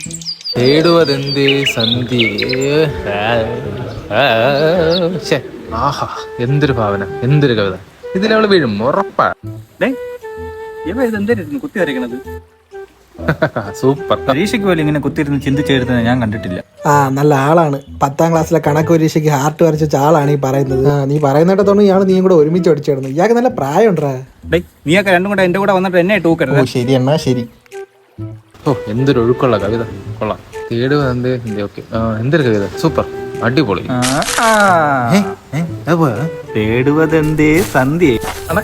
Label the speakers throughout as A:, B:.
A: തേടുവതെന്തേ സന്ധ്യേ. ആഹാ, എന്തൊരു ഭാവന, എന്തൊരു കവിത. ഇതിലവള് വീഴും ഉറപ്പാ.
B: കുത്തി വരയ്ക്കണത്
A: സൂപ്പർ.
B: പരീക്ഷയ്ക്ക് പോലും ഇങ്ങനെ കുത്തിയിരുന്ന് ചിന്തിച്ചെഴുതുന്നത് ഞാൻ കണ്ടിട്ടില്ല.
C: നല്ല ആളാണ്. 10ാം ക്ലാസ്സിലെ കണക്ക് പരീക്ഷയ്ക്ക് ഹാർട്ട് വരച്ച ആളാണ് ഈ പറയുന്നത്. നീ പറയുന്നിടത്തോണ്ട് ഇയാൾ നീയും കൂടെ ഒരുമിച്ച് പഠിച്ചിടുന്നു. ഇയാൾക്ക് നല്ല പ്രായമുണ്ടാ.
B: നീയൊക്കെ രണ്ടും കൂടെ എന്റെ കൂടെ വന്നിട്ട് എന്നെ ടൂക്കരുത്.
C: ശരി എന്നാ ശരി.
A: ഓ, എന്തൊരു ഒഴുക്കുള്ള കവിത, കൊള്ളാം. തേടുവതെന്തേ സന്ധ്യ. ഓക്കെ, എന്തൊരു കവിത, സൂപ്പർ, അടിപൊളി.
B: തേടുവതെന്തേ സന്ധ്യ.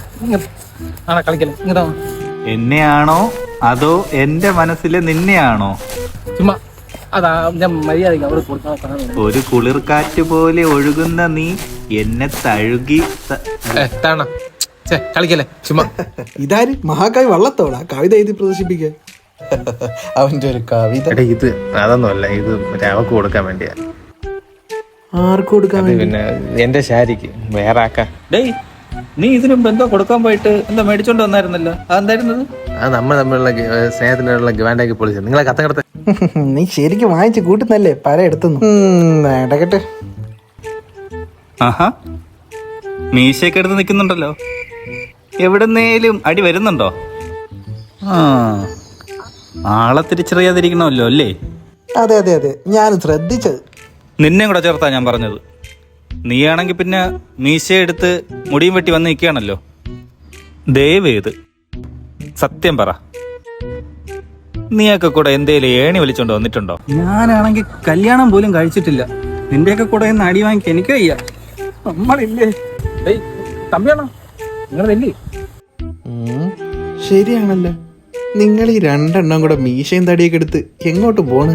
B: എന്നെയാണോ അതോ എന്റെ മനസ്സിലെ നിന്നെയാണോ? ഒരു കുളിർക്കാറ്റ് പോലെ ഒഴുകുന്ന നീ എന്നെ തഴുകി.
A: കളിക്കല്ലേ ചുമ്മാ.
C: ഇതാര് മഹാകവി വള്ളത്തോളാ കവിത എഴുതി പ്രദർശിപ്പിക്കാൻ? അവന്റെ ഒരു കവിത.
A: ഇത് അതൊന്നുമല്ല, ഇത് അവക്ക് കൊടുക്കാൻ വേണ്ടിയാ.
C: ആർക്ക് കൊടുക്കാൻ?
A: പിന്നെ എന്റെ ശാരിക്ക് വേറെ ആക്കാൻ.
B: നീ ഇതിനു മുമ്പ് എന്തോ കൊടുക്കാൻ പോയിട്ട് എന്തോ മേടിച്ചോണ്ട് വന്നായിരുന്നല്ലോ, അതെന്തായിരുന്നത്?
A: അത് നമ്മൾ തമ്മിലുള്ള സ്നേഹത്തിനുള്ള ഗവാൻഡാക്കി പൊളിച്ചത്. നിങ്ങളെ കത്തകടത്ത്.
C: നീ ശരിക്കും വാങ്ങിച്ച് കൂട്ടുന്നല്ലേ പല എടുത്തുന്നു. ഇടകട്ടെ.
B: ആഹാ, മീശയൊക്കെ എടുത്ത് നിൽക്കുന്നുണ്ടല്ലോ. എവിടുന്നേലും അടി വരുന്നുണ്ടോ? ആളെ തിരിച്ചറിയാതിരിക്കണമല്ലോ അല്ലേ?
C: അതെ അതെ അതെ, ഞാൻ ശ്രദ്ധിച്ചത്.
B: നിന്നെ കൂടെ ചേർത്താ ഞാൻ പറഞ്ഞത്. നീയാണെങ്കിൽ പിന്നെ മീശയെടുത്ത് മുടിയും വെട്ടി വന്ന് നിൽക്കുകയാണല്ലോ. ദയവേത് സത്യം പറ, നീയൊക്കെ കൂടെ എന്തേലും ഏണി വലിച്ചോണ്ട് വന്നിട്ടുണ്ടോ? ഞാനാണെങ്കിൽ കല്യാണം പോലും കഴിച്ചിട്ടില്ല. നിന്റെയൊക്കെ കൂടെ ഇന്ന് അടി വാങ്ങിക്കാൻ എനിക്ക് വയ്യ. നമ്മളില്ലേ തമ്പിയാണോ നിങ്ങളല്ലേ?
C: ശരിയാണല്ലോ, നിങ്ങൾ ഈ രണ്ടെണ്ണം കൂടെ മീശയും തടിയൊക്കെ എടുത്ത് എങ്ങോട്ട് പോണ്?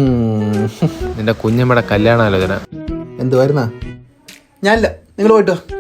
A: നിന്റെ കുഞ്ഞമ്മയുടെ കല്യാണാലോചന
C: എന്തുവായിരുന്നാ? ഞാനില്ല, നിങ്ങൾ പോയിട്ടോ.